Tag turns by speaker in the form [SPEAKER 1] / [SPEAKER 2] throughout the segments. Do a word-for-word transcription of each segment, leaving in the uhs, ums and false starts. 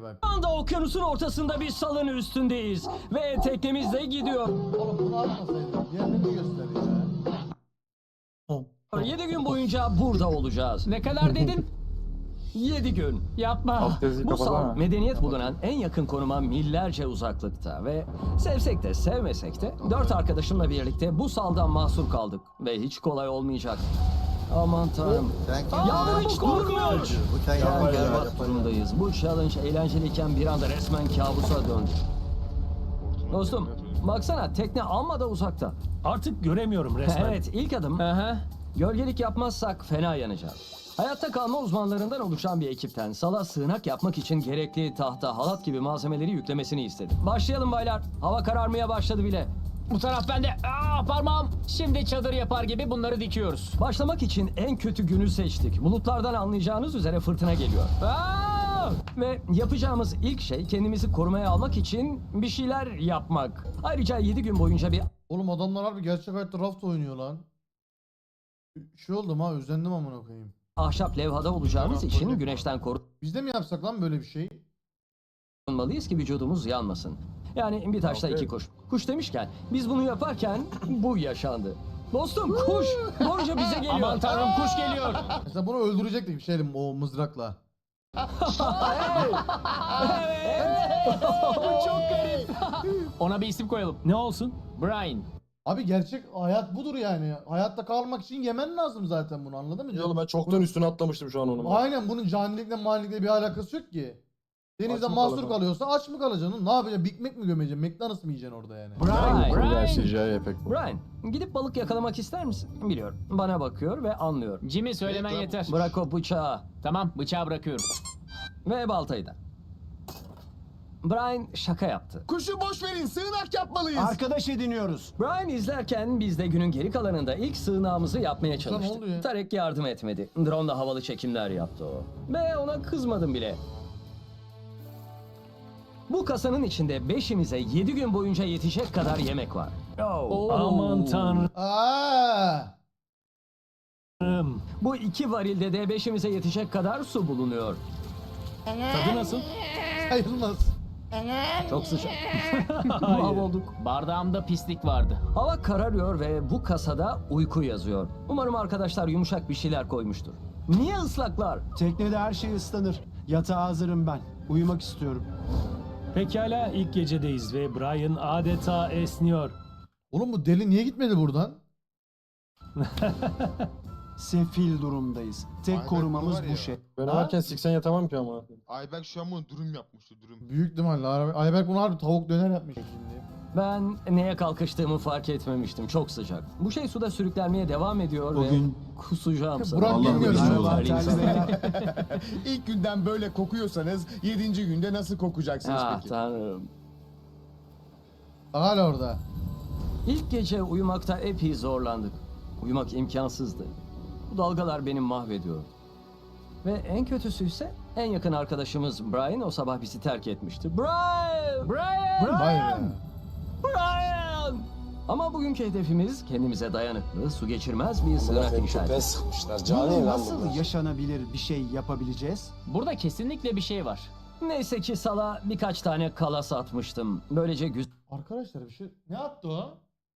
[SPEAKER 1] bak.
[SPEAKER 2] Şu anda okyanusun ortasında bir salın üstündeyiz. Ve teknemiz de gidiyor.
[SPEAKER 1] Oğlum bunu atmasaydın. Diğerini göster ya.
[SPEAKER 2] yedi gün boyunca burada olacağız.
[SPEAKER 3] Ne kadar dedin?
[SPEAKER 2] yedi gün.
[SPEAKER 3] Yapma.
[SPEAKER 4] Alt yazıyı
[SPEAKER 2] Bu sal
[SPEAKER 4] kapatsana.
[SPEAKER 2] medeniyet bulunan en yakın konuma millerce uzaklıkta ve sevsek de sevmesek de dört arkadaşımla birlikte bu saldan mahsur kaldık ve hiç kolay olmayacak. Aman tanrım.
[SPEAKER 5] Sen kim?
[SPEAKER 2] Yağmur hiç durmuyor.
[SPEAKER 5] Bu sen
[SPEAKER 2] Şu an
[SPEAKER 5] yapma ya.
[SPEAKER 2] berbat durumdayız. Bu challenge eğlenceliyken bir anda resmen kabusa döndü. Dostum baksana tekne amma da uzakta.
[SPEAKER 6] Artık göremiyorum resmen.
[SPEAKER 2] Evet ilk adım
[SPEAKER 3] Aha.
[SPEAKER 2] gölgelik yapmazsak fena yanacağız. Hayatta kalma uzmanlarından oluşan bir ekipten sala sığınak yapmak için gerekli tahta, halat gibi malzemeleri yüklemesini istedim. Başlayalım baylar. Hava kararmaya başladı bile.
[SPEAKER 3] Bu taraf bende. Aa, parmağım. Şimdi çadır yapar gibi bunları dikiyoruz.
[SPEAKER 2] Başlamak için en kötü günü seçtik. Bulutlardan anlayacağınız üzere fırtına geliyor.
[SPEAKER 3] Aa!
[SPEAKER 2] Ve yapacağımız ilk şey kendimizi korumaya almak için bir şeyler yapmak. Ayrıca yedi gün boyunca bir
[SPEAKER 1] Oğlum adamlar harbi gerçek hayatta raft oynuyor lan. Şey oldum ha, özendim amına koyayım.
[SPEAKER 2] ahşap levhada olacağımız için güneşten
[SPEAKER 1] Biz de mi yapsak lan böyle bir şey?
[SPEAKER 2] korunmalıyız ki vücudumuz yanmasın. Yani bir taşla iki kuş. Kuş demişken biz bunu yaparken bu yaşandı. Dostum kuş doğruca bize geliyor.
[SPEAKER 3] Aman tanrım kuş geliyor.
[SPEAKER 1] Mesela bunu öldürecektik bir şeyle o mızrakla.
[SPEAKER 3] Bu çok garip. Ona bir isim koyalım.
[SPEAKER 6] Ne olsun?
[SPEAKER 3] Brian.
[SPEAKER 1] Abi gerçek hayat budur yani. Hayatta kalmak için yemen lazım zaten bunu, anladın mı?
[SPEAKER 4] Ya oğlum ben çoktan üstüne atlamıştım şu an onun.
[SPEAKER 1] Aynen, bunun canilikle manilikle bir alakası yok ki. Denizde
[SPEAKER 4] Aç mı
[SPEAKER 1] mahsur
[SPEAKER 4] kalacaksın?
[SPEAKER 1] kalıyorsa aç mı kalacaksın? Ne yapacaksın? Big Mac mi gömeceksin? McDonald's mı yiyeceksin orada yani?
[SPEAKER 2] Brian,
[SPEAKER 3] Brian.
[SPEAKER 4] C G I efekt bu.
[SPEAKER 2] Brian, gidip balık yakalamak ister misin? Biliyor. Bana bakıyor ve anlıyor.
[SPEAKER 3] Jimmy söylemen yeter.
[SPEAKER 2] Bırak o bıçağı
[SPEAKER 3] Tamam bıçağı bırakıyorum.
[SPEAKER 2] ve baltayı da. Brian şaka yaptı.
[SPEAKER 7] Kuşu boş verin, sığınak yapmalıyız.
[SPEAKER 5] Arkadaş ediniyoruz.
[SPEAKER 2] Brian izlerken biz de günün geri kalanında ilk sığınağımızı yapmaya
[SPEAKER 1] ne oldu ya?
[SPEAKER 2] çalıştık. Tarek yardım etmedi. Drone'la havalı çekimler yaptı o. Ve ona kızmadım bile. Bu kasanın içinde beşimize yedi gün boyunca yetecek kadar yemek var.
[SPEAKER 3] Oo.
[SPEAKER 6] Aman tanrım.
[SPEAKER 1] Aa!
[SPEAKER 2] Bu iki varilde de beşimize yetecek kadar su bulunuyor.
[SPEAKER 6] Tadı nasıl?
[SPEAKER 1] Sayılmaz.
[SPEAKER 2] Çok sıcak. Mahvolduk.
[SPEAKER 3] Bardağımda pislik vardı.
[SPEAKER 2] Hava kararıyor ve bu kasada uyku yazıyor. Umarım arkadaşlar yumuşak bir şeyler koymuştur. Niye ıslaklar?
[SPEAKER 5] Teknede her şey ıslanır. Yatağa hazırım ben. Uyumak istiyorum.
[SPEAKER 6] Pekala ilk gecedeyiz ve Brian adeta esniyor.
[SPEAKER 1] Oğlum bu deli niye gitmedi buradan?
[SPEAKER 5] Sefil durumdayız. Tek
[SPEAKER 7] Ayberk
[SPEAKER 5] korumamız
[SPEAKER 7] var ya.
[SPEAKER 5] bu şey.
[SPEAKER 4] Ben
[SPEAKER 1] Ha?
[SPEAKER 4] varken siksen yatamam ki ama.
[SPEAKER 7] Ayberk şu an bunu dürüm yapmıştı, dürüm.
[SPEAKER 1] Büyük ihtimalle. Ay- Ayberk bunu harbi tavuk döner yapmış şimdi.
[SPEAKER 2] Ben neye kalkıştığımı fark etmemiştim. Çok sıcak. Bu şey suda sürüklenmeye devam ediyor
[SPEAKER 5] Bugün-
[SPEAKER 2] ve kusacağım
[SPEAKER 1] Burak
[SPEAKER 2] sanırım.
[SPEAKER 1] bilmiyorum.
[SPEAKER 5] Merhaba
[SPEAKER 2] Terliyim
[SPEAKER 5] terli
[SPEAKER 2] sanırım.
[SPEAKER 5] beyler.
[SPEAKER 7] İlk günden böyle kokuyorsanız yedinci günde nasıl kokacaksınız
[SPEAKER 2] Ah
[SPEAKER 7] peki?
[SPEAKER 2] tanrım.
[SPEAKER 1] Hala orada.
[SPEAKER 2] İlk gece uyumakta epey zorlandık. Uyumak imkansızdı. Bu dalgalar beni mahvediyor. Ve en kötüsü ise en yakın arkadaşımız Brian o sabah bizi terk etmişti. Brian!
[SPEAKER 3] Brian!
[SPEAKER 1] Vay be.
[SPEAKER 2] Brian! Ama bugünkü hedefimiz kendimize dayanıklı, su geçirmez bir sığınak inşa etmek.
[SPEAKER 8] sıkmışlar.
[SPEAKER 5] Bunu nasıl yaşanabilir bir şey yapabileceğiz?
[SPEAKER 3] Burada kesinlikle bir şey var.
[SPEAKER 2] Neyse ki sala birkaç tane kalas atmıştım. Böylece güzel
[SPEAKER 1] Arkadaşlar bir şey... Ne attı o?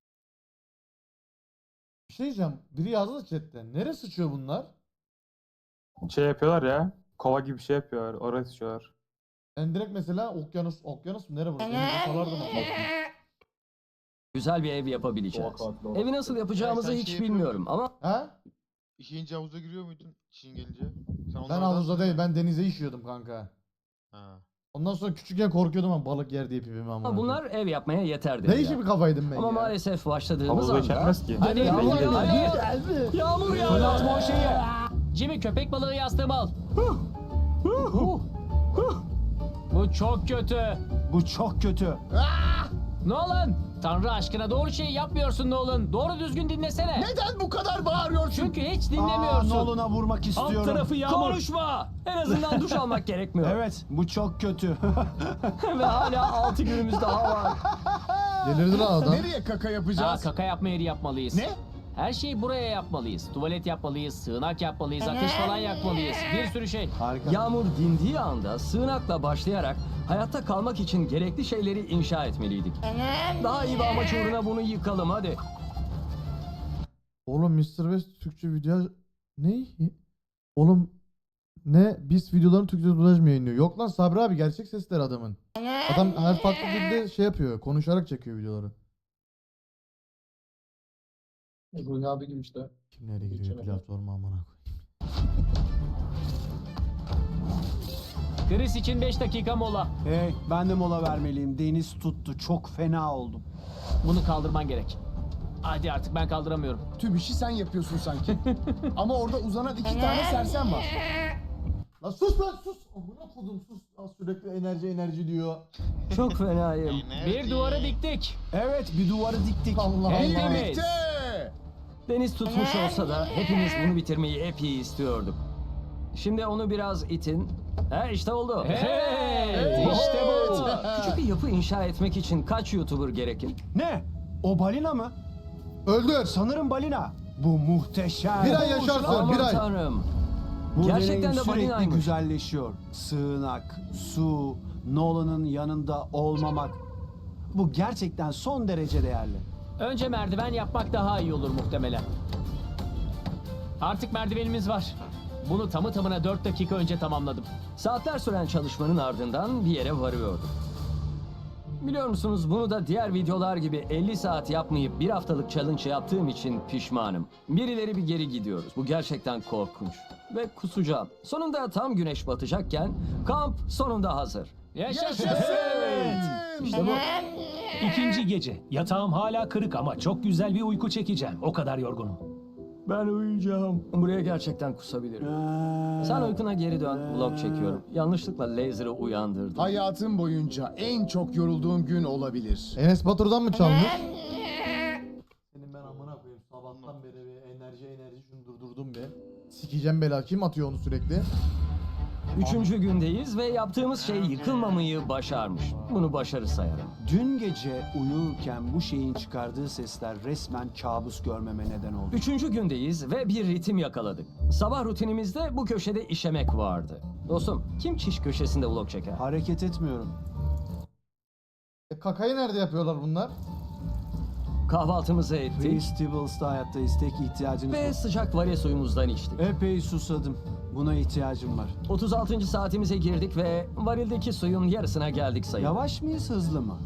[SPEAKER 1] Bir şey diyeceğim. Biri yazdı da chatten. Nereye sıçıyor bunlar?
[SPEAKER 4] Şey yapıyorlar ya. Kova gibi bir şey yapıyorlar. Oraya sıçıyorlar.
[SPEAKER 1] Ben direkt mesela okyanus... Okyanus mu? Nere burası? Denizde salardım onu.
[SPEAKER 2] güzel bir ev yapabileceğiz.
[SPEAKER 4] Doğa katili
[SPEAKER 2] Evi nasıl yapacağımızı
[SPEAKER 7] Ya sen
[SPEAKER 2] hiç
[SPEAKER 7] şey
[SPEAKER 2] bilmiyorum ama
[SPEAKER 1] Ha?
[SPEAKER 7] İşeyince havuza giriyor muydun işin gelince? Sen
[SPEAKER 1] Ben
[SPEAKER 7] onlardan-
[SPEAKER 1] havuzda değil. Ben denize işiyordum kanka.
[SPEAKER 7] Ha.
[SPEAKER 1] Ondan sonra küçükken korkuyordum ama balık yer diye pipimi ama.
[SPEAKER 2] bunlar ev yapmaya yeterdi.
[SPEAKER 1] Ne işi bir kafaydım ben
[SPEAKER 2] Ama
[SPEAKER 1] ya.
[SPEAKER 2] maalesef başladığımız
[SPEAKER 4] Havuza
[SPEAKER 2] anda...
[SPEAKER 4] içermez ki.
[SPEAKER 3] Hadi
[SPEAKER 2] Yağmur
[SPEAKER 3] hadi,
[SPEAKER 2] yağıyor.
[SPEAKER 3] hadi.
[SPEAKER 2] Yağmur
[SPEAKER 3] Fırlatma
[SPEAKER 2] yağıyor.
[SPEAKER 3] o şeyi. Jimmy köpek balığı yastığımı al. Bu çok kötü.
[SPEAKER 5] Bu çok kötü.
[SPEAKER 3] Nolan! Tanrı aşkına doğru şeyi yapmıyorsun Nolan. Doğru düzgün dinlesene.
[SPEAKER 7] Neden bu kadar bağırıyorsun?
[SPEAKER 3] Çünkü hiç
[SPEAKER 5] Aa,
[SPEAKER 3] dinlemiyorsun.
[SPEAKER 5] Nolan'a vurmak
[SPEAKER 6] Alt
[SPEAKER 5] istiyorum.
[SPEAKER 6] tarafı yağmur.
[SPEAKER 2] Konuşma! En azından duş almak gerekmiyor.
[SPEAKER 5] Evet, bu çok kötü.
[SPEAKER 2] Ve hala altı günümüz daha var.
[SPEAKER 1] Delirdi lan adam.
[SPEAKER 7] Nereye kaka
[SPEAKER 3] Aa,
[SPEAKER 7] yapacağız?
[SPEAKER 3] kaka yapma yeri yapmalıyız.
[SPEAKER 7] Ne?
[SPEAKER 3] Her şeyi buraya yapmalıyız. Tuvalet yapmalıyız, sığınak yapmalıyız, ateş falan yakmalıyız. Bir sürü şey.
[SPEAKER 5] Harika.
[SPEAKER 2] Yağmur dindiği anda sığınakla başlayarak hayatta kalmak için gerekli şeyleri inşa etmeliydik. Daha iyi bir amaç uğruna bunu yıkalım hadi.
[SPEAKER 1] Oğlum mister Beast Türkçe video ne? Oğlum ne? Biz videoların Türkçe dublaj mı yayınlıyor? Yok lan Sabri abi gerçek sesler adamın. Adam her farklı dilde şey yapıyor. Konuşarak çekiyor videoları.
[SPEAKER 8] Ruhi abi gibi işte.
[SPEAKER 1] Kim nereye giriyor
[SPEAKER 8] Geçen
[SPEAKER 1] platforma amına koyayım.
[SPEAKER 3] Chris için beş dakika mola.
[SPEAKER 5] Hey, ben de mola vermeliyim. Deniz tuttu. Çok fena oldum.
[SPEAKER 3] Bunu kaldırman gerek. Hadi artık ben kaldıramıyorum.
[SPEAKER 7] Tüm işi sen yapıyorsun sanki. Ama orada uzanan iki tane sersem var.
[SPEAKER 1] Lan sus lan sus. Amına kodum sus. Lan sürekli enerji enerji diyor.
[SPEAKER 2] Çok fenayım.
[SPEAKER 3] Bir duvarı diktik.
[SPEAKER 5] Evet, bir duvarı diktik.
[SPEAKER 1] Allah Allah.
[SPEAKER 3] Hepimiz.
[SPEAKER 7] Bitti.
[SPEAKER 2] Deniz tutmuş olsa da hepimiz bunu bitirmeyi epey istiyorduk. Şimdi onu biraz itin. He işte oldu.
[SPEAKER 3] Hey, işte bu.
[SPEAKER 2] Küçük bir yapı inşa etmek için kaç YouTuber gerekir?
[SPEAKER 5] Ne? O balina mı?
[SPEAKER 1] Öldür.
[SPEAKER 5] Sanırım balina. Bu muhteşem.
[SPEAKER 1] Bir ay yaşarsın.
[SPEAKER 2] Aman
[SPEAKER 1] Bir ay.
[SPEAKER 2] tanrım.
[SPEAKER 5] Bu
[SPEAKER 2] Gerçekten
[SPEAKER 5] deneyim
[SPEAKER 2] de
[SPEAKER 5] sürekli
[SPEAKER 2] balinaymış.
[SPEAKER 5] güzelleşiyor. Sığınak, su, Nolan'ın yanında olmamak. Bu gerçekten son derece değerli.
[SPEAKER 3] Önce merdiven yapmak daha iyi olur muhtemelen. Artık merdivenimiz var. Bunu tamı tamına dört dakika önce tamamladım.
[SPEAKER 2] Saatler süren çalışmanın ardından bir yere varıyordum. Biliyor musunuz bunu da diğer videolar gibi elli saat yapmayıp bir haftalık challenge yaptığım için pişmanım. Birileri bir geri gidiyoruz. Bu gerçekten korkunç. Ve kusacağım. Sonunda tam güneş batacakken kamp sonunda hazır.
[SPEAKER 3] Yaşasın.
[SPEAKER 2] İşte bu.
[SPEAKER 6] İkinci gece. Yatağım hala kırık ama çok güzel bir uyku çekeceğim. O kadar yorgunum.
[SPEAKER 2] Ben uyuyacağım. Buraya gerçekten kusabilirim.
[SPEAKER 5] Ee,
[SPEAKER 2] Sen uykuna geri dön. Vlog çekiyorum. Yanlışlıkla Laser'ı uyandırdım.
[SPEAKER 7] Hayatım boyunca en çok yorulduğum gün olabilir.
[SPEAKER 1] Enes Batur'dan mı çalmış? Senin ben amına koyayım sabahtan beri bir enerji enerji şunu durdurdum be. Sikeceğim bela kim atıyor onu sürekli?
[SPEAKER 2] Üçüncü gündeyiz ve yaptığımız şey yıkılmamayı başarmış. Bunu başarı sayarım.
[SPEAKER 5] Dün gece uyurken bu şeyin çıkardığı sesler resmen kabus görmeme neden oldu.
[SPEAKER 2] Üçüncü gündeyiz ve bir ritim yakaladık. Sabah rutinimizde bu köşede işemek vardı. Dostum, kim çiş köşesinde vlog çeker?
[SPEAKER 5] Hareket etmiyorum.
[SPEAKER 1] E, kakayı nerede yapıyorlar bunlar?
[SPEAKER 2] Kahvaltımızı ettik
[SPEAKER 5] Festivals'ta hayattayız. Tek ihtiyacınız
[SPEAKER 2] ve
[SPEAKER 5] bu.
[SPEAKER 2] sıcak varya suyumuzdan içtik.
[SPEAKER 5] Epey susadım. Buna ihtiyacım var.
[SPEAKER 2] otuz altıncı saatimize girdik ve varildeki suyun yarısına geldik sayın.
[SPEAKER 5] Yavaş mıyız, hızlı mı?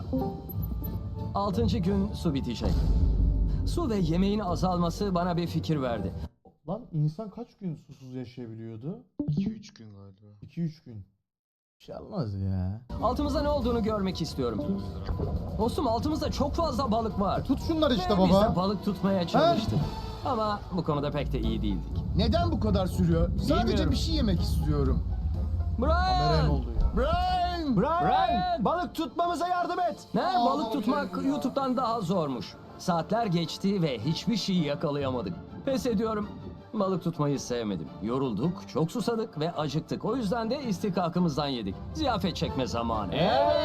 [SPEAKER 2] altıncı gün su bitecek. Su ve yemeğin azalması bana bir fikir verdi.
[SPEAKER 1] Lan insan kaç gün susuz yaşayabiliyordu?
[SPEAKER 9] iki üç gün galiba.
[SPEAKER 1] iki üç gün. Bir şey olmaz ya.
[SPEAKER 2] Altımızda ne olduğunu görmek istiyorum. Dostum altımızda çok fazla balık var.
[SPEAKER 1] Tut şunları işte
[SPEAKER 2] Ve Biz de
[SPEAKER 1] baba.
[SPEAKER 2] balık tutmaya çalıştık. Ama bu konuda pek de iyi değildik.
[SPEAKER 7] Neden bu kadar sürüyor? Sadece
[SPEAKER 3] Bilmiyorum.
[SPEAKER 7] bir şey yemek istiyorum.
[SPEAKER 1] Kameraya ne
[SPEAKER 2] Brian!
[SPEAKER 1] oldu ya?
[SPEAKER 7] Brian!
[SPEAKER 5] Brian!
[SPEAKER 3] Brian!
[SPEAKER 5] Balık tutmamıza yardım et.
[SPEAKER 2] Ne? Balık tutmak YouTube'dan daha zormuş. Saatler geçti ve hiçbir şey yakalayamadık. Pes ediyorum. Balık tutmayı sevmedim. Yorulduk, çok susadık ve acıktık. O yüzden de istikakımızdan yedik. Ziyafet çekme zamanı.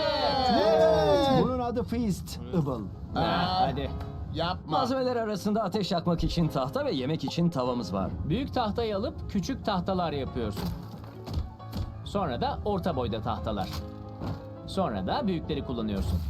[SPEAKER 5] Evet. Bunun adı Feast. Ibal.
[SPEAKER 3] Ha, hadi.
[SPEAKER 7] Yapma.
[SPEAKER 2] Malzemeler arasında ateş yakmak için tahta ve yemek için tavamız var.
[SPEAKER 3] Büyük tahtayı alıp küçük tahtalar yapıyorsun. Sonra da orta boyda tahtalar. Sonra da büyükleri kullanıyorsun.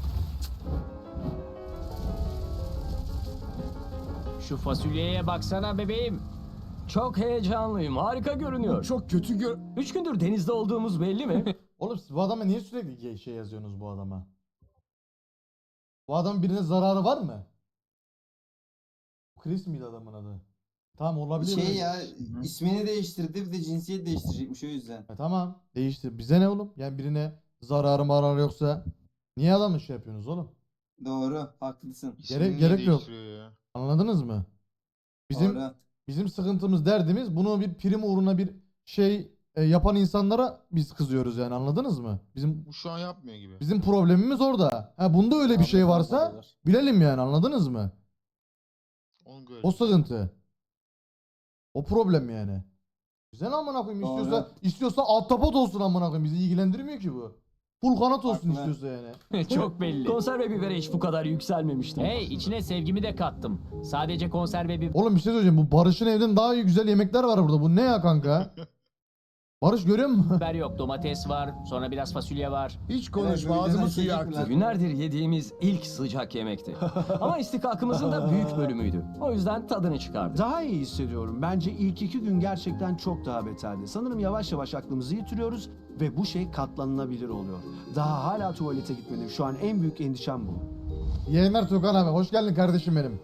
[SPEAKER 3] Şu fasulyeye baksana bebeğim.
[SPEAKER 2] Çok heyecanlıyım. Harika görünüyor.
[SPEAKER 7] Çok kötü gör...
[SPEAKER 2] Üç gündür denizde olduğumuz belli mi?
[SPEAKER 1] Oğlum siz bu adama niye sürekli şey yazıyorsunuz bu adama? Bu adamın birine zararı var mı? Chris miydi adamın adı? Tamam olabilir.
[SPEAKER 10] Şey
[SPEAKER 1] mi?
[SPEAKER 10] ya ismini değiştirdi bir de cinsiyet değiştirecekmiş o yüzden.
[SPEAKER 1] E, tamam değiştir. Bize ne oğlum? Yani birine zararı mararı yoksa niye adamı şey yapıyorsunuz oğlum?
[SPEAKER 10] Doğru, haklısın.
[SPEAKER 1] Gerek-
[SPEAKER 9] İsmini
[SPEAKER 1] gerek yok.
[SPEAKER 9] değiştiriyor ya.
[SPEAKER 1] Anladınız mı? Bizim
[SPEAKER 10] Doğru.
[SPEAKER 1] bizim sıkıntımız derdimiz bunu bir prim uğruna bir şey e, yapan insanlara biz kızıyoruz yani anladınız mı? Bizim
[SPEAKER 9] Bu şu an yapmıyor gibi.
[SPEAKER 1] bizim problemimiz orada. Ha bunda öyle bir şey varsa bilelim yani anladınız mı?
[SPEAKER 9] Onu gör.
[SPEAKER 1] O sıkıntı. O problem yani. Güzel amına koyayım
[SPEAKER 10] Doğru.
[SPEAKER 1] istiyorsa istiyorsa ahtapot olsun amına koyayım bizi ilgilendirmiyor ki bu. Full kanat olsun
[SPEAKER 10] Haklı.
[SPEAKER 1] istiyorsa yani.
[SPEAKER 3] Çok belli.
[SPEAKER 2] Konserve bibere hiç bu kadar yükselmemiştim.
[SPEAKER 3] Hey, içine sevgimi de kattım. Sadece konserve bir
[SPEAKER 1] Oğlum bir şey söyleyeceğim. Bu Barış'ın evden daha iyi güzel yemekler var burada. Bu ne ya kanka? Barış görüyor musun?
[SPEAKER 3] biber yok. Domates var. Sonra biraz fasulye var.
[SPEAKER 7] Hiç konuşma
[SPEAKER 10] Evet,
[SPEAKER 7] ağzımı
[SPEAKER 10] önceden
[SPEAKER 7] suyu
[SPEAKER 10] şey
[SPEAKER 7] aktı.
[SPEAKER 2] Günlerdir yediğimiz ilk sıcak yemekti. Ama istikakımızın da büyük bölümüydü. O yüzden tadını çıkardık.
[SPEAKER 5] Daha iyi hissediyorum. Bence ilk iki gün gerçekten çok daha beterdi. Sanırım yavaş yavaş aklımızı yitiriyoruz ve bu şey katlanılabilir oluyor. Daha hala tuvalete gitmedim. Şu an en büyük endişem bu.
[SPEAKER 1] Yayınlar Tugan abi. Hoş geldin kardeşim benim.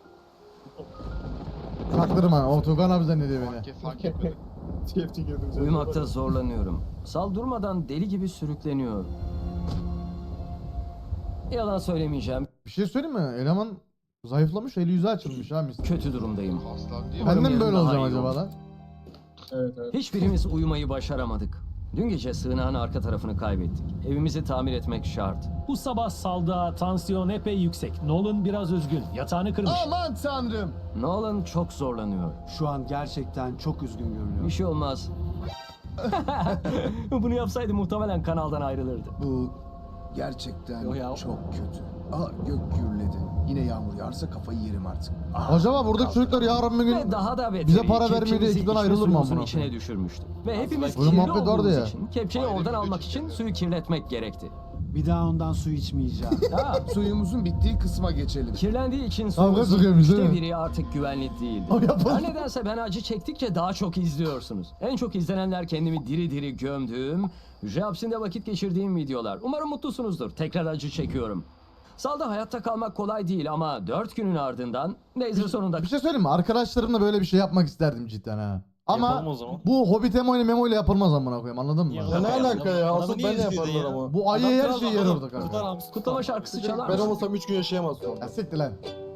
[SPEAKER 1] Çaktırma. O Tugan abi zannediyor beni.
[SPEAKER 9] Fark, fark etmedim.
[SPEAKER 2] Uyumakta zorlanıyorum. Sal durmadan deli gibi sürükleniyor. Yalan söylemeyeceğim.
[SPEAKER 1] Bir şey söyleyeyim mi? Eleman zayıflamış, eli yüzü açılmış ha mis.
[SPEAKER 2] Kötü durumdayım.
[SPEAKER 9] Aslan diye.
[SPEAKER 1] Ben de mi
[SPEAKER 2] Umarım
[SPEAKER 1] böyle
[SPEAKER 2] yarın
[SPEAKER 1] olacağım
[SPEAKER 2] daha iyi
[SPEAKER 1] acaba
[SPEAKER 2] olur.
[SPEAKER 1] lan?
[SPEAKER 8] Evet evet.
[SPEAKER 2] Hiçbirimiz uyumayı başaramadık. Dün gece sığınağın arka tarafını kaybettik. Evimizi tamir etmek şart.
[SPEAKER 6] Bu sabah salda tansiyon epey yüksek. Nolan biraz üzgün. Yatağını kırmış.
[SPEAKER 7] Aman tanrım.
[SPEAKER 2] Nolan çok zorlanıyor.
[SPEAKER 5] Şu an gerçekten çok üzgün
[SPEAKER 2] Bir
[SPEAKER 5] görünüyor.
[SPEAKER 2] şey olmaz. Bunu yapsaydı muhtemelen kanaldan ayrılırdı.
[SPEAKER 7] Bu gerçekten
[SPEAKER 2] Yo ya.
[SPEAKER 7] çok kötü. Aa gök gürledi. Yine yağmur yağarsa kafayı yerim artık. Aa,
[SPEAKER 1] Acaba buradaki çocuklar yarın bir
[SPEAKER 2] Ve
[SPEAKER 1] gün
[SPEAKER 2] daha da beteri,
[SPEAKER 1] bize para vermeye de
[SPEAKER 2] kepçemizi
[SPEAKER 1] ekipten
[SPEAKER 2] içme
[SPEAKER 1] ayrılır mı
[SPEAKER 2] suyumuzun
[SPEAKER 1] amına
[SPEAKER 2] içine
[SPEAKER 1] koyayım?
[SPEAKER 2] düşürmüştü. Ve hepimiz
[SPEAKER 1] Böyle
[SPEAKER 2] kirli
[SPEAKER 1] muhabbet vardı
[SPEAKER 2] olduğumuz
[SPEAKER 1] ya.
[SPEAKER 2] için kepçeyi
[SPEAKER 9] Ayrı
[SPEAKER 2] oradan
[SPEAKER 9] bir
[SPEAKER 2] almak
[SPEAKER 9] video
[SPEAKER 2] için
[SPEAKER 9] çekelim.
[SPEAKER 2] suyu kirletmek gerekti.
[SPEAKER 5] Bir daha ondan su içmeyeceğim.
[SPEAKER 2] Ha,
[SPEAKER 7] Suyumuzun bittiği kısma geçelim.
[SPEAKER 2] kirlendiği için
[SPEAKER 1] Kavga
[SPEAKER 2] suyumuzun
[SPEAKER 1] sıkıyormuş, değil
[SPEAKER 2] üçte
[SPEAKER 1] mi?
[SPEAKER 2] biri artık güvenli değildi.
[SPEAKER 1] O yapalım.
[SPEAKER 2] Her nedense ben acı çektikçe daha çok izliyorsunuz. En çok izlenenler kendimi diri diri gömdüğüm, hücre hapsinde vakit geçirdiğim videolar. Umarım mutlusunuzdur. Tekrar acı çekiyorum. Salda hayatta kalmak kolay değil ama dört günün ardından Laser sonunda
[SPEAKER 1] Bir şey söyleyeyim mi? Arkadaşlarımla böyle bir şey yapmak isterdim cidden ha. Ama
[SPEAKER 4] Yapalım o zaman.
[SPEAKER 1] bu Hobbit Emo ile Memo ile yapılmaz amına koyayım, anladın mı?
[SPEAKER 8] Ya ne alaka ya? Asıl ben de yaparlar ama.
[SPEAKER 1] Bu ayı her şeyi yer orada kanka.
[SPEAKER 2] kutlama şarkısı çalar
[SPEAKER 8] Ben
[SPEAKER 2] mısın?
[SPEAKER 8] olmasam üç gün yaşayamazsın.
[SPEAKER 1] Ya siktir lan.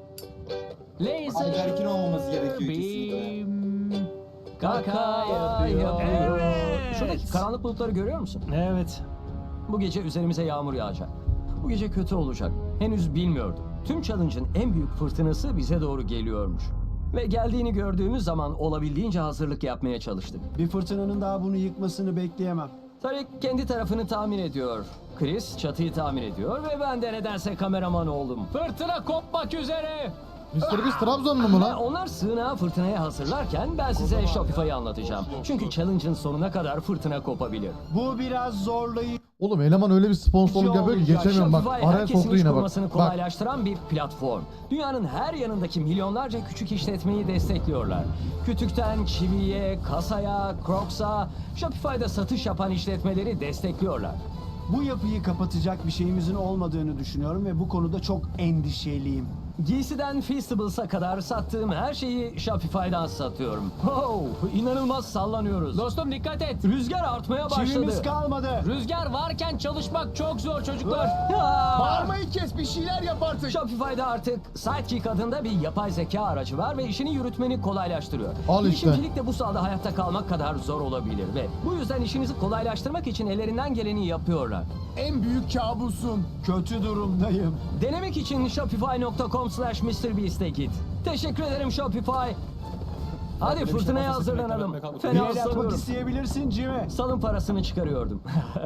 [SPEAKER 3] Laser
[SPEAKER 10] Ayberk'in olmaması gerekiyor kesinlikle.
[SPEAKER 3] beam. Kaka
[SPEAKER 2] Kaka
[SPEAKER 3] yapıyor.
[SPEAKER 2] yapıyor.
[SPEAKER 3] Evet.
[SPEAKER 2] Şuradaki karanlık bulutları görüyor musun?
[SPEAKER 6] Evet.
[SPEAKER 2] Bu gece üzerimize yağmur yağacak. Bu gece kötü olacak. Henüz bilmiyordum. Tüm challenge'ın en büyük fırtınası bize doğru geliyormuş. Ve geldiğini gördüğümüz zaman olabildiğince hazırlık yapmaya çalıştık.
[SPEAKER 5] Bir fırtınanın daha bunu yıkmasını bekleyemem.
[SPEAKER 2] Tarık kendi tarafını tamir ediyor. Chris çatıyı tamir ediyor ve ben de nedense kameraman oldum.
[SPEAKER 3] Fırtına kopmak üzere.
[SPEAKER 1] mister Beast Trabzonlu mu
[SPEAKER 2] Ve
[SPEAKER 1] lan?
[SPEAKER 2] onlar sığınağı fırtınaya hazırlarken ben size Shopify'ı anlatacağım. Çünkü challenge'ın sonuna kadar fırtına kopabilir.
[SPEAKER 5] Bu biraz zorlayıcı
[SPEAKER 1] Oğlum eleman öyle bir sponsorluk yapıyor ki geçemiyorum bak.
[SPEAKER 2] Shopify
[SPEAKER 1] Araya
[SPEAKER 2] herkesin
[SPEAKER 1] soktu
[SPEAKER 2] iş
[SPEAKER 1] yine bak.
[SPEAKER 2] kurmasını
[SPEAKER 1] Bak.
[SPEAKER 2] kolaylaştıran bir platform. Dünyanın her yanındaki milyonlarca küçük işletmeyi destekliyorlar. Kütükten çiviye, kasaya, Crocs'a, Shopify'da satış yapan işletmeleri destekliyorlar.
[SPEAKER 5] Bu yapıyı kapatacak bir şeyimizin olmadığını düşünüyorum ve bu konuda çok endişeliyim.
[SPEAKER 2] Giysiden Feastables'a kadar sattığım her şeyi Shopify'dan satıyorum. Oh, inanılmaz sallanıyoruz.
[SPEAKER 3] Dostum dikkat et.
[SPEAKER 2] Rüzgar artmaya başladı.
[SPEAKER 5] Çivimiz kalmadı.
[SPEAKER 3] Rüzgar varken çalışmak çok zor çocuklar.
[SPEAKER 2] Aa!
[SPEAKER 7] Bağırmayı kes, bir şeyler yap artık.
[SPEAKER 2] Shopify'da artık Sidekick adında bir yapay zeka aracı var ve işini yürütmeni kolaylaştırıyor.
[SPEAKER 1] Al işte.
[SPEAKER 2] Girişimcilik de bu sahada hayatta kalmak kadar zor olabilir ve bu yüzden işinizi kolaylaştırmak için ellerinden geleni yapıyorlar.
[SPEAKER 7] En büyük kabusun.
[SPEAKER 5] Kötü durumdayım.
[SPEAKER 2] Denemek için shopify nokta com slash MrBeast'e git. Teşekkür ederim Shopify. Hadi fırtınaya hazırlanalım.
[SPEAKER 5] Bir
[SPEAKER 2] Fena
[SPEAKER 5] el atmak
[SPEAKER 2] ıslanıyorum.
[SPEAKER 5] isteyebilirsin Jimmy.
[SPEAKER 2] Salın parasını çıkarıyordum.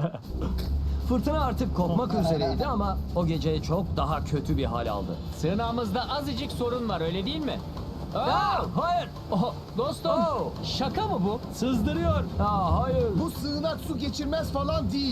[SPEAKER 2] Fırtına artık kopmak üzereydi ama o gece çok daha kötü bir hal aldı.
[SPEAKER 3] Sığınağımızda azıcık sorun var öyle değil mi? Aa!
[SPEAKER 2] Aa, hayır.
[SPEAKER 3] Oh, dostum
[SPEAKER 2] Oh.
[SPEAKER 3] şaka mı bu? Sızdırıyor.
[SPEAKER 2] Aa, hayır.
[SPEAKER 7] Bu sığınak su geçirmez falan değil.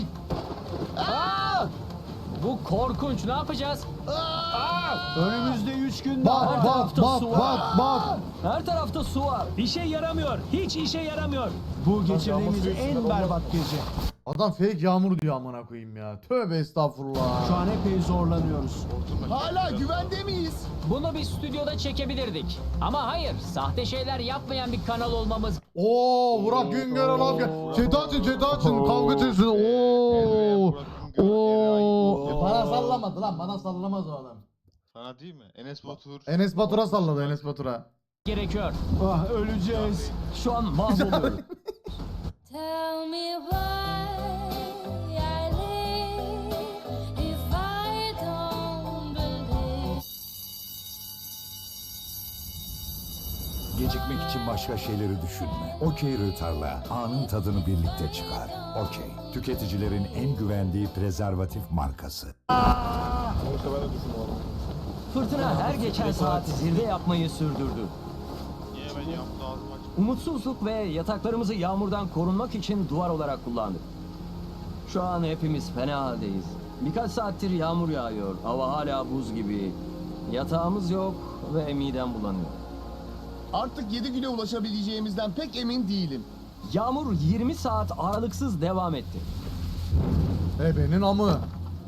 [SPEAKER 3] Bu korkunç ne yapacağız?
[SPEAKER 5] Önümüzde üç gün
[SPEAKER 1] Bak
[SPEAKER 5] daha.
[SPEAKER 1] bak
[SPEAKER 2] tarafta
[SPEAKER 1] bak
[SPEAKER 2] su var.
[SPEAKER 1] bak bak.
[SPEAKER 2] Her tarafta su var.
[SPEAKER 6] İşe yaramıyor. Hiç işe yaramıyor.
[SPEAKER 5] Bu geçirdiğimiz en berbat gece.
[SPEAKER 1] Adam fake yağmur diyor amına koyayım ya. Tövbe estağfurullah.
[SPEAKER 5] Şu an epey zorlanıyoruz.
[SPEAKER 7] Hala güvende miyiz?
[SPEAKER 3] Bunu bir stüdyoda çekebilirdik. Ama hayır, sahte şeyler yapmayan bir kanal olmamız
[SPEAKER 1] Oo Burak Güngör'e laf gel. Chat açın chat açın kavga etsin. Oo.
[SPEAKER 9] Burak Güngör,
[SPEAKER 1] Oo.
[SPEAKER 9] Eray.
[SPEAKER 1] Bana sallamadı lan, bana sallamaz o adam.
[SPEAKER 9] Sana değil mi? Enes Batur.
[SPEAKER 1] Enes Batur'a salladı, Enes Batur'a.
[SPEAKER 3] gerekiyor.
[SPEAKER 5] Ah öleceğiz.
[SPEAKER 2] Şu an mahvoluyorum.
[SPEAKER 11] Tell me why I live if I don't believe.
[SPEAKER 12] Gecikmek için başka şeyleri düşünme. Okey Rıtar'la anın tadını birlikte çıkar. Okey. Tüketicilerin en güvendiği prezervatif markası.
[SPEAKER 8] Sonuçta ben de düşündüm onu.
[SPEAKER 2] Fırtına her geçen saat zirve yapmayı sürdürdü.
[SPEAKER 9] Niye ben yaptı ağzımı açıp.
[SPEAKER 2] Umutsuzluk ve yataklarımızı yağmurdan korunmak için duvar olarak kullandık. Şu an hepimiz fena haldeyiz. Birkaç saattir yağmur yağıyor. Hava hala buz gibi. Yatağımız yok ve midem bulanıyor.
[SPEAKER 7] Artık yedi güne ulaşabileceğimizden pek emin değilim.
[SPEAKER 2] Yağmur yirmi saat aralıksız devam etti.
[SPEAKER 1] Ebenin amı.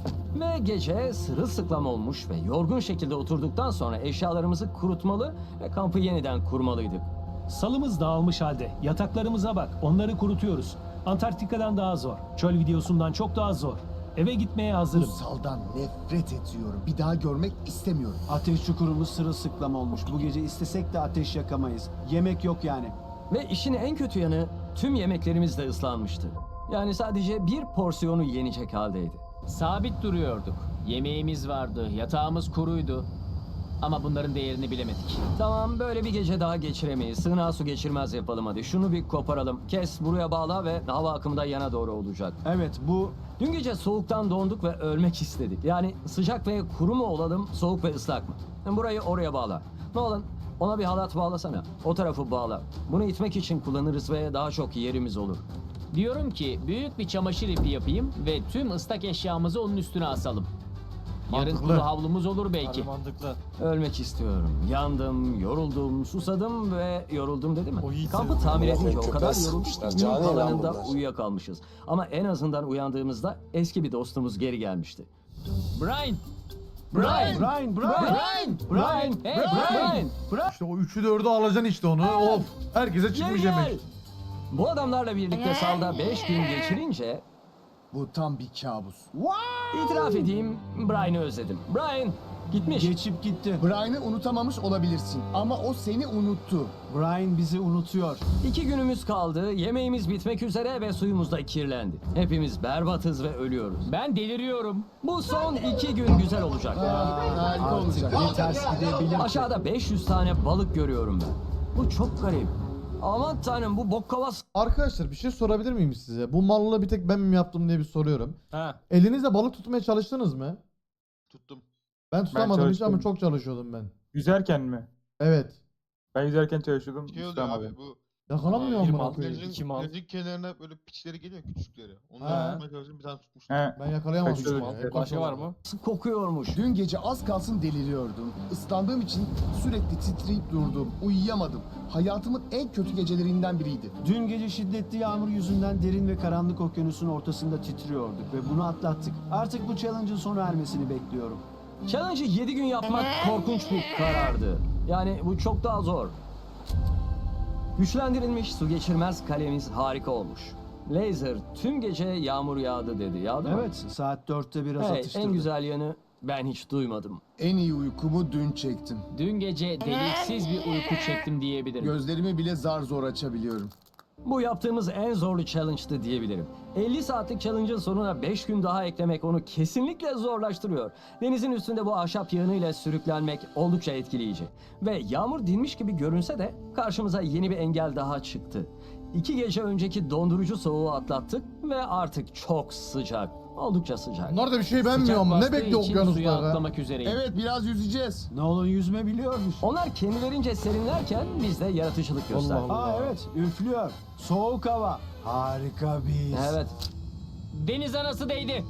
[SPEAKER 2] Ve gece sırılsıklam olmuş ve yorgun şekilde oturduktan sonra eşyalarımızı kurutmalı ve kampı yeniden kurmalıydık.
[SPEAKER 6] Salımız dağılmış halde. Yataklarımıza bak. Onları kurutuyoruz. Antarktika'dan daha zor. Çöl videosundan çok daha zor. Eve gitmeye
[SPEAKER 7] Bu
[SPEAKER 6] hazırım.
[SPEAKER 7] saldan nefret ediyorum. Bir daha görmek istemiyorum.
[SPEAKER 5] Ateş çukurumuz sırılsıklam olmuş. Bu gece istesek de ateş yakamayız. Yemek yok yani.
[SPEAKER 2] Ve işin en kötü yanı tüm yemeklerimiz de ıslanmıştı. Yani sadece bir porsiyonu yenecek haldeydi.
[SPEAKER 3] Sabit duruyorduk. Yemeğimiz vardı, yatağımız kuruydu. Ama bunların değerini bilemedik.
[SPEAKER 2] Tamam, böyle bir gece daha geçiremeyiz. Sığınağa su geçirmez yapalım hadi. Şunu bir koparalım. Kes, buraya bağla ve hava akımı da yana doğru olacak.
[SPEAKER 5] Evet, bu
[SPEAKER 2] Dün gece soğuktan donduk ve ölmek istedik. Yani sıcak ve kuru mu olalım, soğuk ve ıslak mı? Burayı oraya bağla. Nolan, ona bir halat bağlasana. O tarafı bağla. Bunu itmek için kullanırız ve daha çok yerimiz olur.
[SPEAKER 3] Diyorum ki büyük bir çamaşır ipi yapayım ve tüm ıslak eşyamızı onun üstüne asalım. Yarın
[SPEAKER 1] Mantıklı.
[SPEAKER 3] kuru havlumuz olur belki.
[SPEAKER 8] Mantıklı.
[SPEAKER 2] Ölmek istiyorum. Yandım, yoruldum, susadım ve yoruldum dedi mi? Kampı tamir edince o kadar yorulduk ki günün kalanında uyuyakalmışız. Ama en azından uyandığımızda eski bir dostumuz geri gelmişti.
[SPEAKER 3] Brian!
[SPEAKER 2] Brian!
[SPEAKER 5] Brian, Brian,
[SPEAKER 2] Brian! Brian! Hey Brian! Brian!
[SPEAKER 1] İşte o üçü dördü alacaksın işte onu. Of. Herkese çıkmış
[SPEAKER 2] Gel, gel.
[SPEAKER 1] yemek.
[SPEAKER 2] Bu adamlarla birlikte salda beş gün geçirince
[SPEAKER 7] Bu tam bir kabus.
[SPEAKER 2] itiraf edeyim, Brian'ı özledim. Brian gitmiş.
[SPEAKER 5] geçip gitti.
[SPEAKER 7] Brian'ı unutamamış olabilirsin ama o seni unuttu.
[SPEAKER 5] Brian bizi unutuyor.
[SPEAKER 2] İki günümüz kaldı, yemeğimiz bitmek üzere ve suyumuz da kirlendi. Hepimiz berbatız ve ölüyoruz.
[SPEAKER 3] Ben deliriyorum.
[SPEAKER 2] Bu son iki gün güzel olacak.
[SPEAKER 7] Aa, harika olacak.
[SPEAKER 5] Bir ters gidebilir.
[SPEAKER 2] Aşağıda beş yüz tane balık görüyorum ben. Bu çok garip. Aman tanrım, bu bok kovası.
[SPEAKER 1] Arkadaşlar bir şey sorabilir miyim size? Bu mallığı bir tek ben mi yaptım diye bir soruyorum.
[SPEAKER 8] Ha.
[SPEAKER 1] Elinizle balık tutmaya çalıştınız mı?
[SPEAKER 9] Tuttum.
[SPEAKER 1] Ben tutamadım hiç ama
[SPEAKER 4] çalıştım.
[SPEAKER 1] çok çalışıyordum ben.
[SPEAKER 4] Yüzerken mi?
[SPEAKER 1] Evet.
[SPEAKER 4] Ben yüzerken çalışıyordum.
[SPEAKER 9] Şey oluyor
[SPEAKER 4] tutamadım.
[SPEAKER 9] abi bu.
[SPEAKER 1] Yakalanmıyor
[SPEAKER 8] Bir
[SPEAKER 1] mu?
[SPEAKER 8] mal,
[SPEAKER 1] koyayım?
[SPEAKER 8] iki mal.
[SPEAKER 9] Denizin kenarına böyle piçleri geliyor küçükleri.
[SPEAKER 1] Ha.
[SPEAKER 9] Onları tutmaya çalıştım bir tane tutmuştum.
[SPEAKER 4] He.
[SPEAKER 1] Ben yakalayamadım.
[SPEAKER 4] Kaçıyorduk.
[SPEAKER 1] ya. Hep
[SPEAKER 8] Başka var
[SPEAKER 1] kaçamadım.
[SPEAKER 8] mı?
[SPEAKER 2] Kokuyormuş.
[SPEAKER 7] Dün gece az kalsın deliriyordum. Islandığım için sürekli titreyip durdum. Uyuyamadım. Hayatımın en kötü gecelerinden biriydi.
[SPEAKER 5] Dün gece şiddetli yağmur yüzünden derin ve karanlık okyanusun ortasında titriyorduk ve bunu atlattık. Artık bu challenge'ın sona ermesini bekliyorum.
[SPEAKER 2] Challenge'ı yedi gün yapmak korkunç bir karardı. Yani bu çok daha zor. Güçlendirilmiş su geçirmez kalemiz harika olmuş. Laser tüm gece yağmur yağdı dedi. Yağdı mı?
[SPEAKER 5] Evet, saat dörtte biraz
[SPEAKER 2] Hey,
[SPEAKER 5] atıştırdı.
[SPEAKER 2] en güzel yanı ben hiç duymadım.
[SPEAKER 7] En iyi uykumu dün çektim.
[SPEAKER 3] Dün gece deliksiz bir uyku çektim diyebilirim.
[SPEAKER 7] Gözlerimi bile zar zor açabiliyorum.
[SPEAKER 2] Bu yaptığımız en zorlu challenge'tı diyebilirim. elli saatlik challenge'ın sonuna beş gün daha eklemek onu kesinlikle zorlaştırıyor. Denizin üstünde bu ahşap yığınıyla sürüklenmek oldukça etkileyici. Ve yağmur dinmiş gibi görünse de karşımıza yeni bir engel daha çıktı. İki gece önceki dondurucu soğuğu atlattık ve artık çok sıcak. Oldukça sıcak.
[SPEAKER 1] Bunlar da bir şey
[SPEAKER 3] Sıcak
[SPEAKER 1] beğenmiyor mu? Ne
[SPEAKER 3] bastığı
[SPEAKER 1] bekliyor
[SPEAKER 3] için suya
[SPEAKER 1] okyanuslar be?
[SPEAKER 3] atlamak üzereyim.
[SPEAKER 7] Evet, biraz yüzeceğiz.
[SPEAKER 5] Nolan yüzme biliyormuş.
[SPEAKER 2] Onlar kendilerince serinlerken biz de yaratıcılık gösterdik.
[SPEAKER 5] Aa evet, üflüyor. Soğuk hava. Harika bir his.
[SPEAKER 2] Evet.
[SPEAKER 3] Deniz anası değdi.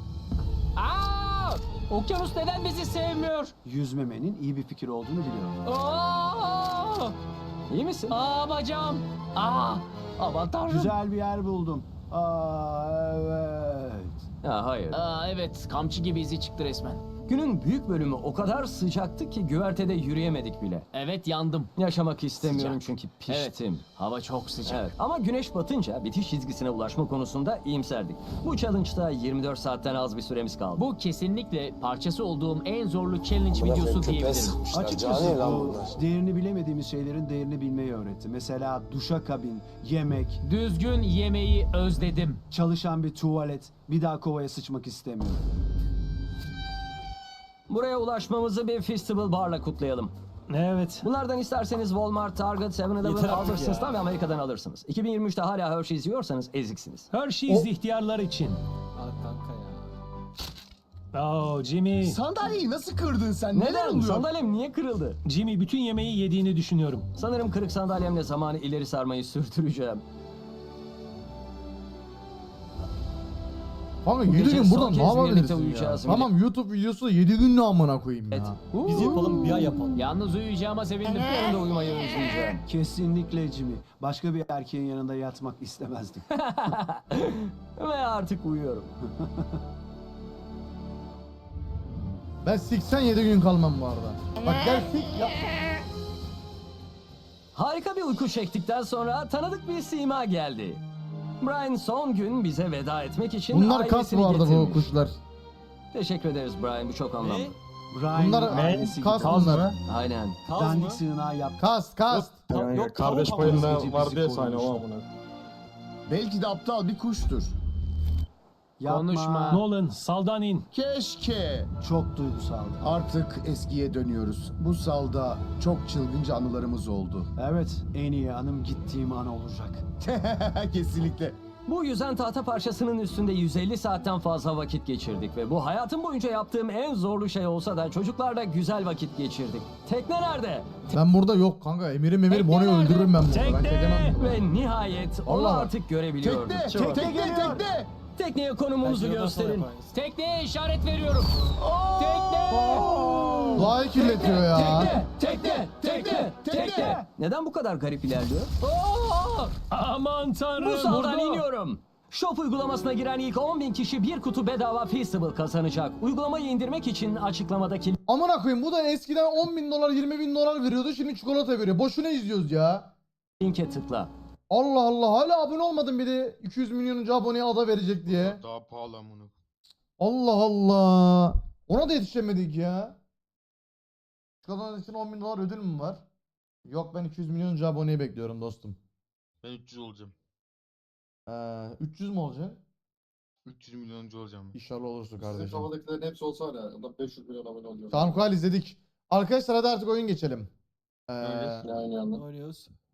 [SPEAKER 3] Aa! Okyanus neden bizi sevmiyor?
[SPEAKER 5] Yüzmemenin iyi bir fikir olduğunu biliyorum.
[SPEAKER 3] Aa!
[SPEAKER 2] İyi misin?
[SPEAKER 3] Aa bacağım. Aa! Aman tanrım.
[SPEAKER 5] Güzel bir yer buldum. Aa evet.
[SPEAKER 2] Ha, hayır.
[SPEAKER 3] Aa evet, kamçı gibi izi çıktı resmen.
[SPEAKER 2] Günün büyük bölümü o kadar sıcaktı ki güvertede yürüyemedik bile.
[SPEAKER 3] Evet, yandım.
[SPEAKER 2] Yaşamak istemiyorum
[SPEAKER 3] Sıcak.
[SPEAKER 2] çünkü piştim.
[SPEAKER 3] Hava çok sıcak.
[SPEAKER 2] Evet. Ama güneş batınca bitiş çizgisine ulaşma konusunda iyimserdik. Bu challenge'da yirmi dört saatten az bir süremiz kaldı.
[SPEAKER 3] Bu kesinlikle parçası olduğum en zorlu challenge videosu diyebilirim.
[SPEAKER 5] Açıkçası bu değerini bilemediğimiz şeylerin değerini bilmeyi öğretti. Mesela duşakabin, yemek,
[SPEAKER 3] Düzgün yemeği özledim.
[SPEAKER 5] çalışan bir tuvalet. Bir daha kovaya sıçmak istemiyorum.
[SPEAKER 2] Buraya ulaşmamızı bir festival barla kutlayalım.
[SPEAKER 6] Evet.
[SPEAKER 2] Bunlardan isterseniz Walmart, Target, seven eleven,
[SPEAKER 3] Yeter artık
[SPEAKER 2] Albertsons'tan ve Amerika'dan alırsınız. iki bin yirmi üçte hala Hershey's yiyorsanız eziksiniz.
[SPEAKER 6] Hershey's ihtiyarlar için.
[SPEAKER 10] Al kanka ya.
[SPEAKER 6] Oh Jimmy.
[SPEAKER 7] Sandalyeyi nasıl kırdın sen? Neler
[SPEAKER 2] Neden?
[SPEAKER 7] oluyor?
[SPEAKER 2] Sandalyem niye kırıldı?
[SPEAKER 6] Jimmy bütün yemeği yediğini düşünüyorum.
[SPEAKER 2] Sanırım kırık sandalyemle zamanı ileri sarmayı sürdüreceğim.
[SPEAKER 1] Kanka
[SPEAKER 2] Bu
[SPEAKER 1] yedi
[SPEAKER 2] gece
[SPEAKER 1] gün
[SPEAKER 2] son
[SPEAKER 1] buradan ne
[SPEAKER 2] kez birlikte
[SPEAKER 1] yapabilirsin ya?
[SPEAKER 2] uyuyacağız.
[SPEAKER 1] Tamam YouTube videosu yedi gün ne amına koyayım
[SPEAKER 2] Evet.
[SPEAKER 1] ya.
[SPEAKER 10] Biz yapalım bir ay yapalım.
[SPEAKER 3] Yalnız uyuyacağıma sevindim.
[SPEAKER 2] Yarın da uyumayı özleyeceğim.
[SPEAKER 5] Kesinlikle Jimmy. Başka bir erkeğin yanında yatmak istemezdim.
[SPEAKER 2] Ve artık uyuyorum.
[SPEAKER 1] Ben seksen yedi gün kalmam bu arada. Bak gel sik ya.
[SPEAKER 2] Harika bir uyku çektikten sonra tanıdık bir sima geldi. Brian son gün bize veda etmek için
[SPEAKER 1] Bunlar kas
[SPEAKER 2] ailesini
[SPEAKER 1] bu arada bu
[SPEAKER 2] getirmiş.
[SPEAKER 1] kuşlar.
[SPEAKER 2] Teşekkür ederiz Brian, bu çok anlamlı.
[SPEAKER 5] Brian
[SPEAKER 1] Bunlar
[SPEAKER 5] ailesi
[SPEAKER 1] kas
[SPEAKER 5] gibi
[SPEAKER 4] Kaz
[SPEAKER 1] bunlar.
[SPEAKER 4] mı?
[SPEAKER 2] Aynen.
[SPEAKER 10] Kaz
[SPEAKER 5] dandik
[SPEAKER 10] mı?
[SPEAKER 5] sığınağı yaptı.
[SPEAKER 1] Kas kas.
[SPEAKER 4] Yani
[SPEAKER 10] Yok,
[SPEAKER 4] kardeş
[SPEAKER 10] tavuk
[SPEAKER 4] payında
[SPEAKER 5] havası
[SPEAKER 4] var
[SPEAKER 5] bizi
[SPEAKER 4] diye sahne o
[SPEAKER 5] korumuştu.
[SPEAKER 4] amına.
[SPEAKER 7] Belki de aptal bir kuştur.
[SPEAKER 5] Yapma.
[SPEAKER 3] Konuşma.
[SPEAKER 6] Nolan, saldan in.
[SPEAKER 7] Keşke.
[SPEAKER 5] Çok duygusaldı.
[SPEAKER 7] Artık eskiye dönüyoruz. Bu salda çok çılgınca anılarımız oldu.
[SPEAKER 5] Evet, en iyi anım gittiğim an olacak.
[SPEAKER 7] Kesinlikle.
[SPEAKER 2] Bu yüzen tahta parçasının üstünde yüz elli saatten fazla vakit geçirdik ve bu hayatım boyunca yaptığım en zorlu şey olsa da çocuklarla güzel vakit geçirdik. Tekne nerede?
[SPEAKER 1] Ben burada yok kanka. Emir'im Emir Bono'yu
[SPEAKER 2] nerede?
[SPEAKER 1] öldürürüm ben burada. Ben
[SPEAKER 6] Tekne!
[SPEAKER 1] çekemem.
[SPEAKER 2] Ve nihayet onu
[SPEAKER 1] Allah.
[SPEAKER 2] artık görebiliyorduk.
[SPEAKER 7] Tekne, tekne, tekne.
[SPEAKER 2] Tekneye konumumuzu gösterin.
[SPEAKER 3] Tekneye işaret veriyorum. Tekne!
[SPEAKER 1] Doğayı kirletiyor ya.
[SPEAKER 2] Tekne, tekne, tekne. Neden bu kadar garip ilerliyor? Oo!
[SPEAKER 6] Aman tanrım.
[SPEAKER 2] Bu saldan
[SPEAKER 6] vurdu.
[SPEAKER 2] iniyorum. Shop uygulamasına giren ilk on bin kişi bir kutu bedava Feastable kazanacak. Uygulamayı indirmek için açıklamadaki
[SPEAKER 1] Amına koyayım bu da eskiden on bin dolar yirmi bin dolar veriyordu, şimdi çikolata veriyor. Boşuna izliyoruz ya.
[SPEAKER 2] linke tıkla.
[SPEAKER 1] Allah Allah, hala abone olmadım bir de iki yüz milyonuncu aboneye ada verecek diye.
[SPEAKER 9] Daha pahalı amına.
[SPEAKER 1] Allah Allah. Ona da yetişemedik ya. Çikolata için on bin dolar ödül mü var? Yok, ben iki yüz milyoncu aboneyi bekliyorum dostum.
[SPEAKER 9] Ben üç yüz olacağım.
[SPEAKER 1] Ee, üç yüz mü olacaksın?
[SPEAKER 9] üç yüz milyoncu olacağım.
[SPEAKER 1] İnşallah olursun kardeşim.
[SPEAKER 8] Kafadakilerin hepsi olsa var ya. Adam beş yüz milyon abone oluyor.
[SPEAKER 1] Tamam Kuhal izledik. Arkadaşlar hadi artık oyun geçelim. Ee,
[SPEAKER 9] Öyle.
[SPEAKER 8] Aynı anda.
[SPEAKER 10] Oynuyoruz.